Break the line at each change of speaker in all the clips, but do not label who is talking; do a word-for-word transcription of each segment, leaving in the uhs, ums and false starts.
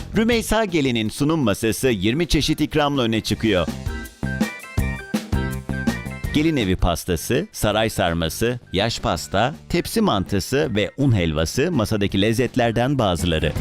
Rümeysa Gelin'in sunum masası yirmi çeşit ikramla öne çıkıyor. Gelin evi pastası, saray sarması, yaş pasta, tepsi mantısı ve un helvası masadaki lezzetlerden bazıları.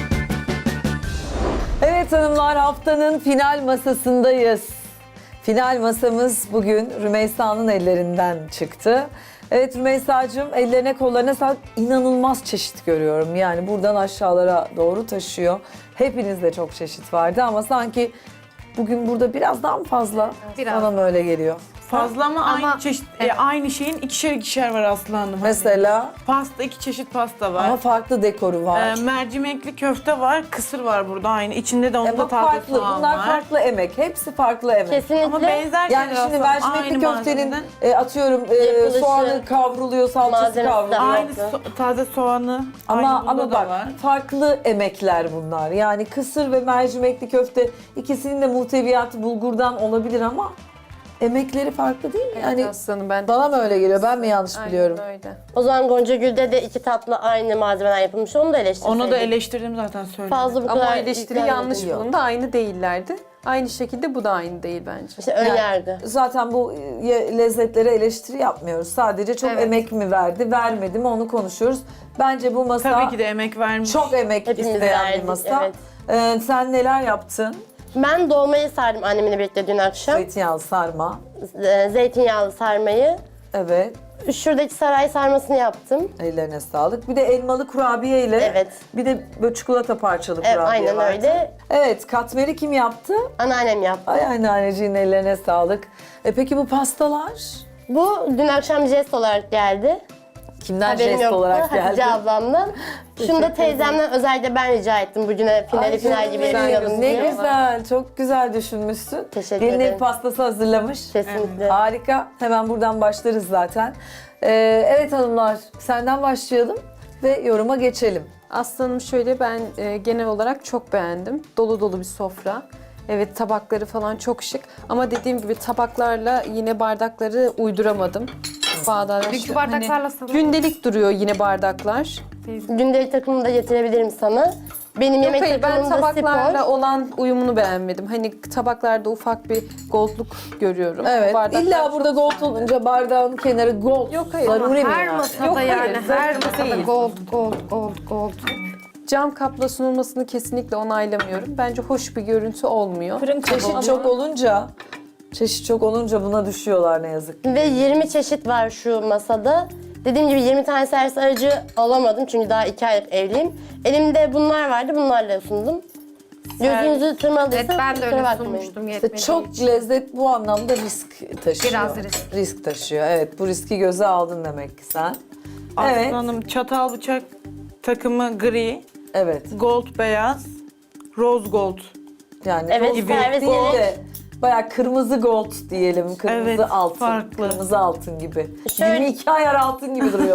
Evet hanımlar, haftanın final masasındayız. Final masamız bugün Rümeysa'nın ellerinden çıktı. Evet Rümeysa'cığım, ellerine kollarına sağlık. İnanılmaz çeşit görüyorum. Yani buradan aşağılara doğru taşıyor. Hepinizde çok çeşit vardı ama sanki bugün burada biraz daha mı fazla?
Biraz.
Bana mı öyle geliyor?
Fazla ama,
Ama-
aynı çeşit, e, aynı şeyin ikişer ikişer var Aslı Hanım. Hani
Mesela
pasta, iki çeşit pasta var.
ama farklı dekoru var.
E, mercimekli köfte var, kısır var burada aynı. İçinde de
E
onda
bak
taze
farklı,
soğan
bunlar
var.
farklı emek. Hepsi farklı emek.
Kesinlikle.
Ama benzer
Yani
şeyler
şimdi
aslında,
mercimekli
aynı
köftenin
malzemeden.
e, atıyorum e,
Yapılışı,
soğanı kavruluyor, salçası
malzemesi de
kavruluyor.
aynı.
Aynı so- taze soğanı,
Ama
aynı bunda
ama
da
bak
var.
farklı emekler bunlar. Yani kısır ve mercimekli köfte ikisinin de muhteviyatı bulgurdan olabilir ama emekleri farklı değil mi? Yani
Aslanım ben
bana mı öyle geliyor? Ben mi yanlış
Aynen
biliyorum?
öyle.
O zaman Gonca Gül'de de iki tatlı aynı malzemeden yapılmış. Onu da eleştirseydik.
Onu da eleştirdim zaten söyledim.
Fazla bu
Ama
kadar
o eleştiri
yüklenmedi.
yanlış
Yok.
bulundu. Aynı değillerdi. Aynı şekilde bu da aynı değil bence.
İşte ön yargı.
Zaten bu e, lezzetlere eleştiri yapmıyoruz. Sadece çok
Evet.
emek mi verdi, vermedi mi onu konuşuyoruz. Bence bu masa
Tabii ki de emek vermiş.
çok emek
Hepimiz
isteyen bir
verdik,
masa.
evet.
Ee, sen neler yaptın?
Ben dolmayı sardım annemle birlikte dün akşam.
Zeytinyağlı sarma.
Ee, Zeytinyağlı sarmayı.
Evet.
Şuradaki saray sarmasını yaptım.
Ellerine sağlık. Bir de elmalı kurabiye ile
Evet.
bir de böyle çikolata parçalı
Evet,
kurabiye
aynen
vardı.
öyle.
Evet, katmeri kim yaptı?
Anneannem yaptı.
Ay anneanneciğin ellerine sağlık. E peki bu pastalar?
Bu dün akşam jest olarak geldi.
Kimden
Haberim
jest
yoktu.
olarak geldi?
Hatice ablamdan. Şunu da teyzemden özellikle ben rica ettim. Bugüne finali
Ay
final
canım
gibi
benim,
yapalım
ne
diye.
güzel, çok güzel düşünmüşsün.
Teşekkür
Gelin ev
ederim.
pastası hazırlamış.
Kesinlikle.
Harika. Hemen buradan başlarız zaten. Ee, evet hanımlar, senden başlayalım ve yoruma geçelim.
Aslanım şöyle ben e, genel olarak çok beğendim. Dolu dolu bir sofra. Evet tabakları falan çok şık. Ama dediğim gibi tabaklarla yine bardakları uyduramadım. Bağdaş,
Dünkü bardaklarla sanırım.
gündelik duruyor yine bardaklar.
Gündelik takımını da getirebilirim sana. Benim
Yok
yemek
hayır ben
takımım da
tabaklarla
spor.
olan uyumunu beğenmedim. Hani tabaklarda ufak bir goldluk görüyorum.
Evet,
Bardaklar
illa
çok
burada gold olunca bardağın kenarı gold.
Yok, hayır.
Zaruri mi
Her
yani?
masada
Yok, hayır,
yani her
zaruri
masada
değil.
gold gold gold gold.
Cam kapla sunulmasını kesinlikle onaylamıyorum. Bence hoş bir görüntü olmuyor.
Çeşit çok olunca, çeşit çok olunca buna düşüyorlar ne yazık ki.
Ve yirmi çeşit var şu masada. Dediğim gibi yirmi tane servis aracı alamadım çünkü daha iki aylık evliyim. Elimde bunlar vardı, bunlarla sundum. Gözünüzü tırmaladıysa
Evet ben de
kusura
öyle
bakmayın.
sunmuştum
İşte
yetmediği
çok
için.
lezzet bu anlamda risk taşıyor.
Biraz risk.
Risk taşıyor. Evet, bu riski göze aldın demek ki sen.
Aslı
Evet.
Hanım çatal bıçak takımı gri,
Evet.
gold beyaz, rose gold.
Yani
Evet,
rose gold
servis
değil
gold.
de bayağı kırmızı gold diyelim. Kırmızı
Evet,
altın.
farklı.
Kırmızı altın gibi.
Şöyle-
yirmi iki ayar altın gibi duruyor.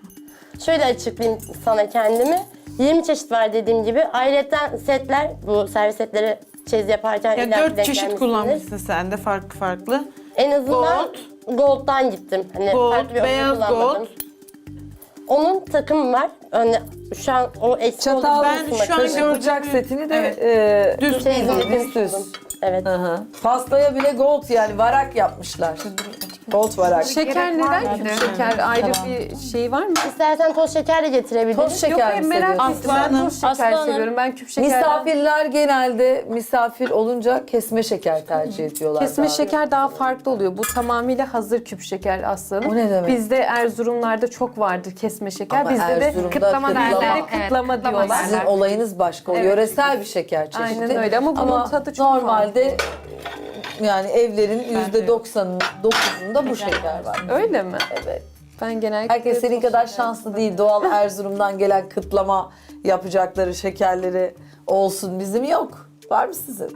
Şöyle açıklayayım sana kendimi. yirmi çeşit var dediğim gibi. Ayrıca setler, bu servis setleri çeyiz yaparken
Ya
illa ki
dört
denk
çeşit
gelmişsindir.
kullanmışsın sen de farklı farklı.
En azından gold'dan gittim. Hani
Gold,
farklı bir opsiyon
beyaz
kullanmadım.
gold.
Onun takımı var. Hani şu an o eksik
Çatal,
olduğu
Ben
kısma
şu an
kalıyor.
gördüm.
bıçak setini de
Evet.
e,
Düz
Çeyizini
düz düz.
buldum. Evet.
Hı hı. Pastaya bile gold yani varak yapmışlar. Gold varak.
Şeker
Gerek var
neden
mıydı?
küp şeker ayrı bir şey var mı?
İstersen toz şeker de getirebilirim.
Toz şeker
Yok hayır
mi
merak
seviyorsun?
ettim. Ben
Aslanım.
toz şeker
Aslanım.
seviyorum. Ben küp şekerden...
Misafirler genelde misafir olunca kesme şeker tercih ediyorlar.
Kesme
daha.
şeker daha farklı oluyor. Bu tamamıyla hazır küp şeker aslanım.
O ne demek?
Bizde Erzurumlarda çok vardır kesme şeker.
Ama
Bizde de
Erzurum'da
kıtlama
kıtlama.
derler.
Bizde de kıtlama
Evet,
diyorlar.
derler.
Sizin olayınız başka. O
Evet.
yöresel bir şeker çeşidi.
Aynen öyle ama bunun tadı çok
normalde yani evlerin yüzde doksanın dokuzunda bu şeker var.
Öyle mi?
Evet.
Ben genellikle...
Herkes senin
toz
kadar
şeker-
şanslı değil. Doğal Erzurum'dan gelen kıtlama yapacakları şekerleri olsun. Bizim yok. Var mı sizin?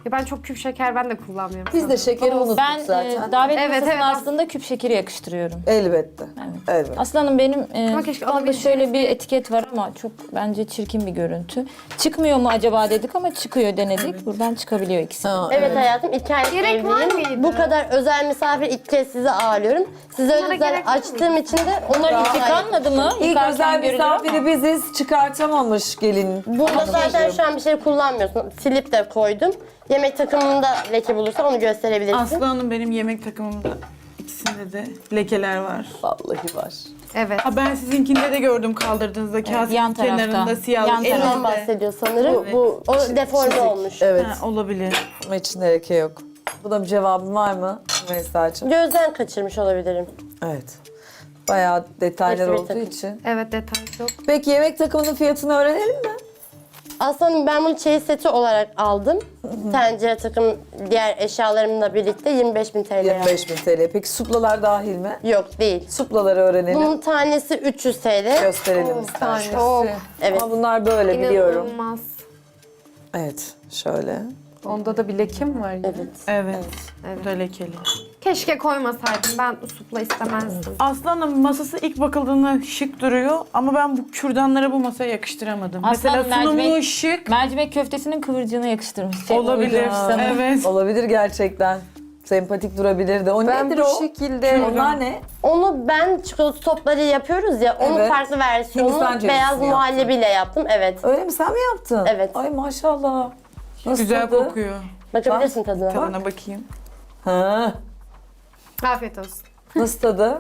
Ya ben çok küp şeker ben de kullanmıyorum.
Biz de şekeri unuttuk
Ben
zaten.
e, davet
Evet,
masasına
evet.
aslında küp şekeri yakıştırıyorum.
Elbette.
Evet.
Evet.
Aslanım benim e,
Ama keşke
mutfakta
alabileceğiniz-
şöyle bir etiket var ama çok bence çirkin bir görüntü. Çıkmıyor mu acaba dedik ama çıkıyor denedik. Buradan çıkabiliyor ikisi.
Ha,
Evet hayatım, iki aylık
Gerek var
evliyim.
mıydı?
Bu kadar özel misafir ilk kez sizi ağırlıyorum. Size
Bunlara
özel
gerek var
açtığım için de
Onlar
onları
hiç yıkanmadı mı?
İlk
Yıkarken
özel
görülür ama.
misafiri biziz. Çıkartamamış gelin.
Burada zaten şu an bir şey kullanmıyorsun. Silip de koydum. Yemek takımında leke bulursa onu gösterebilirsin.
Aslı Hanım benim yemek takımımda ikisinde de lekeler var.
Vallahi var.
Evet.
Ha, ben sizinkinde de gördüm kaldırdığınızda kasenin
yan tarafta.
kenarında siyah.
Yan
elinizde.
Ondan bahsediyor sanırım.
Bu,
O deforme olmuş.
Evet.
Ha, olabilir.
Ama içinde leke yok. Buna bir cevabın var mı Melisa'cığım?
Gözden kaçırmış olabilirim.
Evet. Bayağı detaylar
Hepsi bir
olduğu
takım.
için.
Evet detay çok.
Peki yemek takımının fiyatını öğrenelim mi?
Aslında ben bunu çeyiz seti olarak aldım. Tencere takım diğer eşyalarımla birlikte yirmi beş bin T L.
yirmi beş bin T L. Peki suplalar dahil mi?
Yok değil.
Suplaları öğrenelim.
Bunun tanesi üç yüz T L.
Gösterelim istersen.
Çok.
Evet.
Ama bunlar böyle biliyorum.
İnanılmaz.
Evet. Şöyle.
Onda da bir leke mi var yine?
Evet.
Evet.
Evet.
Bu da lekeli.
Keşke koymasaydım. Ben supla istemezdim.
Aslı Hanım masası ilk bakıldığında şık duruyor ama ben bu kürdanları bu masaya yakıştıramadım.
Aslı Hanım,
Mesela sunumu
mercimek-
şık
Mercimek köftesinin kıvırcığını yakıştırmış. Şey,
olabilir.
uydurmuş.
Evet.
Olabilir gerçekten. Sempatik durabilirdi. O
Ben
nedir
bu
o?
şekilde
Onlar ne?
Onu ben çikolata topları yapıyoruz ya, onun
Evet.
farklı versiyonunu
Hindistan cevizini
beyaz
yaptın.
muhallebiyle yaptım. Evet.
Öyle mi? Sen mi yaptın?
Evet.
Ay maşallah. Nasıl
Güzel
tadı?
kokuyor.
Bakabilirsin tadına.
Tadına bakayım.
Ha.
Afiyet olsun.
Nasıl tadı?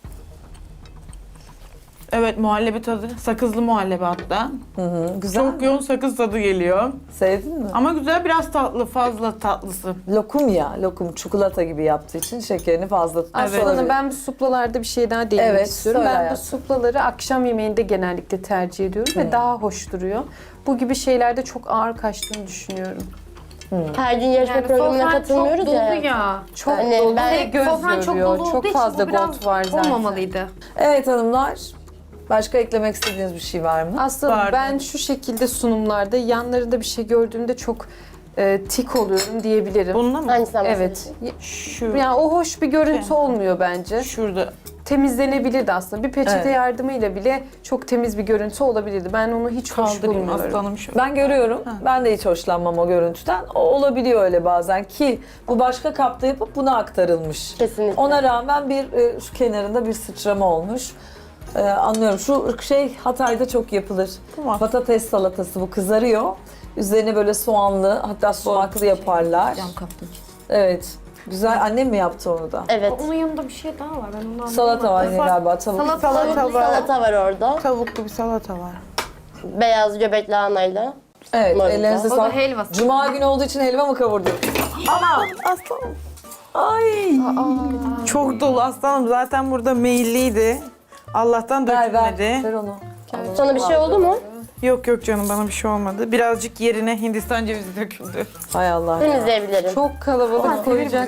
Evet, muhallebi tadı. Sakızlı muhallebi hatta.
Hı hı. Güzel.
Çok yoğun sakız tadı geliyor.
Sevdin mi?
Ama güzel, biraz tatlı, fazla tatlısı.
Lokum ya. Lokum çikolata gibi yaptığı için şekerini fazla tutmuş
Aslında
olabilir.
ben bu suplalarda bir şey daha değinmek
Evet,
istiyorum.
söyle
Ben
hayatım.
bu suplaları akşam yemeğinde genellikle tercih ediyorum ve daha hoş duruyor. Bu gibi şeylerde çok ağır kaçtığını düşünüyorum.
Her gün yarışma
Yani
programına
sofran
katılmıyoruz
çok dolu
ya.
ya.
Çok
Hani
dolu
ben-
ve göz
Sofran çok
yoruyor.
dolu olduğu
Çok
için
fazla
bu biraz
gold var zaten.
olmamalıydı.
Evet hanımlar. Başka eklemek istediğiniz bir şey var mı?
Aslında
Vardı.
ben şu şekilde sunumlarda yanlarında bir şey gördüğümde çok e, tik oluyorum diyebilirim.
Bununla mı?
Hangisinden
Evet.
bahsediyorsun?
Şu.
Yani o hoş bir görüntü
Evet.
olmuyor bence.
Şurada.
Temizlenebilirdi aslında. Bir peçete
Evet.
yardımıyla bile çok temiz bir görüntü olabilirdi. Ben onu hiç hoş
Kaldırayım
bulmuyorum.
Aslı Hanım şöyle.
Ben görüyorum. Ben de hiç hoşlanmam o görüntüden. O olabiliyor öyle bazen ki bu başka kapta yapıp buna aktarılmış.
Kesinlikle.
Ona rağmen bir e, şu kenarında bir sıçrama olmuş. E, anlıyorum. Şu şey Hatay'da çok yapılır.
Tamam.
Patates salatası bu kızarıyor. Üzerine böyle soğanlı hatta sumaklı yaparlar.
Cam kaplı.
Evet. Güzel. Annem mi yaptı onu da?
Evet.
Onun yanında bir şey daha var. Ben onu anlamadım.
Salata var yine galiba. Tavuk.
Salata,
Salata
Tavuklu
var.
salata var orada.
Tavuklu bir salata var.
Beyaz göbek lahanayla.
Evet.
Marulda.
Ellerinize
O da
sağlık.
helvası.
Cuma günü olduğu için helva mı kavurdun? Ama
Aslanım.
ay.
Çok dolu aslanım. Zaten burada meyilliydi. Allah'tan
Ver ver.
dökülmedi.
Ver onu.
Sana bir şey oldu mu?
Yok yok canım, bana bir şey olmadı. Birazcık yerine Hindistan cevizi döküldü.
Hay Allah.
Temizleyebilirim.
Çok kalabalık koyacak.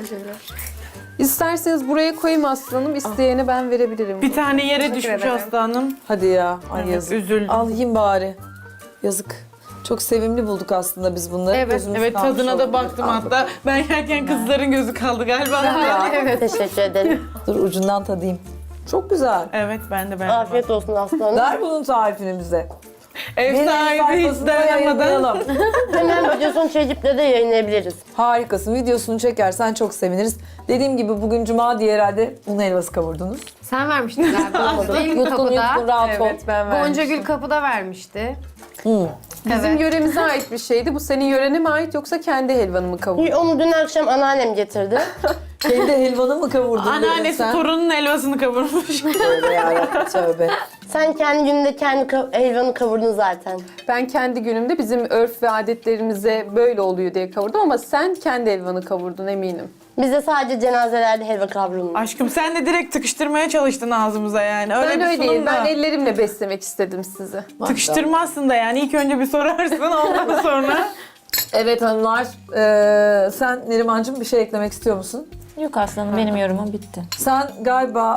İsterseniz buraya koyayım aslanım. İsteyene ben verebilirim.
Bir tane yere düşmüş
ederim.
aslanım.
Hadi ya. Ay
Evet,
yazık.
üzüldüm.
Al yiyeyim bari. Yazık. Çok sevimli bulduk aslında biz bunları.
Evet,
Gözümüz
Evet,
kalmış
tadına da
olabilir.
baktım
Al
hatta. Ben yerken kızların gözü kaldı galiba.
Evet.
Teşekkür ederim.
Dur ucundan tadayım. Çok güzel.
Evet, ben de ben.
Afiyet olsun aslanım.
Ver bunun tarifini bize.
Ev
Benim
sahibi hiç
sayfasında
dayanamadan.
yayınlayalım.
Hemen videosunu çekip'le de yayınlayabiliriz.
Harikasın. Videosunu çekersen çok seviniriz. Dediğim gibi bugün cuma diye herhalde un helvası kavurdunuz.
Sen vermiştin galiba. Değil mi
Yutkun yutkun
kapıda?
rahat ol.
Evet ben
Gonca
vermiştim.
Gül kapıda vermişti.
Hı.
Bizim
Evet.
yöremize ait bir şeydi. Bu senin yörene mi ait yoksa kendi helvanı mı kavurdun?
Onu dün akşam anneannem getirdi.
Kendi helvanı mı kavurdun? dedin
Anneannesi
sen?
torunun helvasını kavurmuş.
Tövbe yarabbim tövbe.
Sen kendi gününde kendi ka- helvanı kavurdun zaten.
Ben kendi günümde bizim örf ve adetlerimize böyle oluyor diye kavurdum ama sen kendi helvanı kavurdun eminim.
Bizde sadece cenazelerde helva kavrulmuş.
Aşkım, sen de direkt tıkıştırmaya çalıştın ağzımıza yani. Öyle
Ben
bir
öyle değil.
sunum da.
Ben ellerimle beslemek istedim sizi.
Tıkıştırmazsın da yani. İlk önce bir sorarsın, ondan sonra.
Evet hanımlar. eee, sen Nerimancığım bir şey eklemek istiyor musun?
Yok aslanım, benim yorumum bitti.
Sen galiba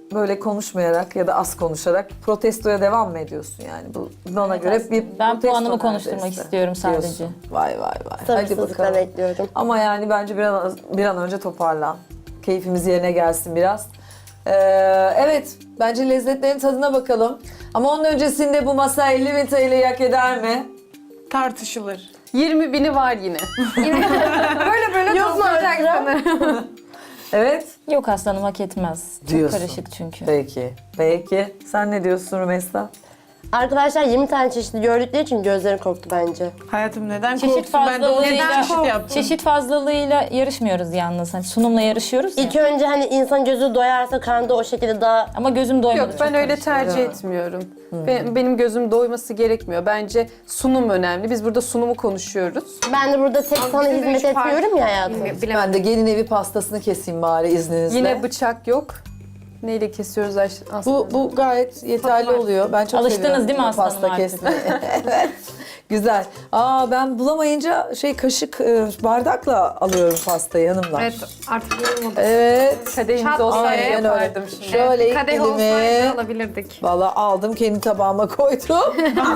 böyle konuşmayarak ya da az konuşarak protestoya devam mı ediyorsun yani? Bu bana
Evet,
göre
aslında.
bir
Ben
protesto
puanımı konuşturmak
neredeyse
istiyorum sadece.
diyorsun. Vay vay vay. Hadi
Sabırsızlıkla
bakalım.
bekliyorum.
Ama yani bence bir an, bir an önce toparlan. Keyfimiz yerine gelsin biraz. Ee, evet, bence lezzetlerin tadına bakalım. Ama onun öncesinde bu masa elli bin T L'yi hak eder mi?
Tartışılır.
yirmi bini var yine.
Böyle böyle
Yok mu
toplayacaksınız.
Evet.
Yok aslanım hak etmez. Çok
Diyorsun.
karışık çünkü.
Peki. Peki. Sen ne diyorsun Rümeysa?
Arkadaşlar yirmi tane çeşitli gördükleri için gözleri korktu bence.
Hayatım neden
Çeşit
korksun? Ben de on sekiz
fazlalığıyla,
çeşit yaptım.
çeşit fazlalığıyla yarışmıyoruz yalnız. Hani sunumla yarışıyoruz ya.
İlk önce hani insan gözü doyarsa karnı da o şekilde daha...
Ama gözüm doymadı.
Yok ben
çok
öyle
karışık.
tercih etmiyorum. Be- benim gözüm doyması gerekmiyor. Bence sunum önemli. Biz burada sunumu konuşuyoruz.
Ben de burada tek sana
bize de
hizmet
üç fark-
etmiyorum ya hayatım.
Bilemedim.
Ben de gelin evi pastasını keseyim bari izninizle.
Yine bıçak yok. Neyle kesiyoruz Ayş- aslında?
Bu, bu gayet yeterli oluyor. Ben çok
Alıştınız
seviyorum
değil mi aslanım
pasta
artık?
kesmeyi. Evet. Güzel. Aa ben bulamayınca şey kaşık e, bardakla alıyorum pastayı hanımlar.
Evet artık yorulmadım.
Evet.
Kadehimiz
Çat
olsaydı
diye
yapardım şimdi.
Şöyle ilk
Kadeh olsaydı
dilimi
alabilirdik.
valla aldım kendi tabağıma koydum.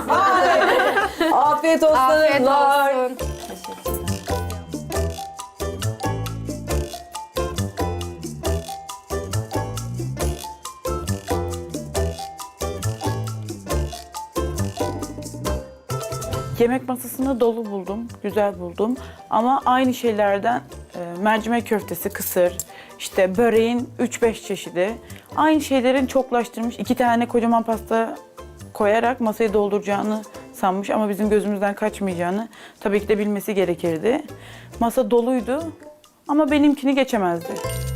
Afiyet olsun
Afiyet
hanımlar.
olsun.
Yemek masasını dolu buldum, güzel buldum. Ama aynı şeylerden e, mercimek köftesi, kısır, işte böreğin üç beş çeşidi. Aynı şeylerin çoklaştırmış, iki tane kocaman pasta koyarak masayı dolduracağını sanmış ama bizim gözümüzden kaçmayacağını tabii ki de bilmesi gerekirdi. Masa doluydu ama benimkini geçemezdi.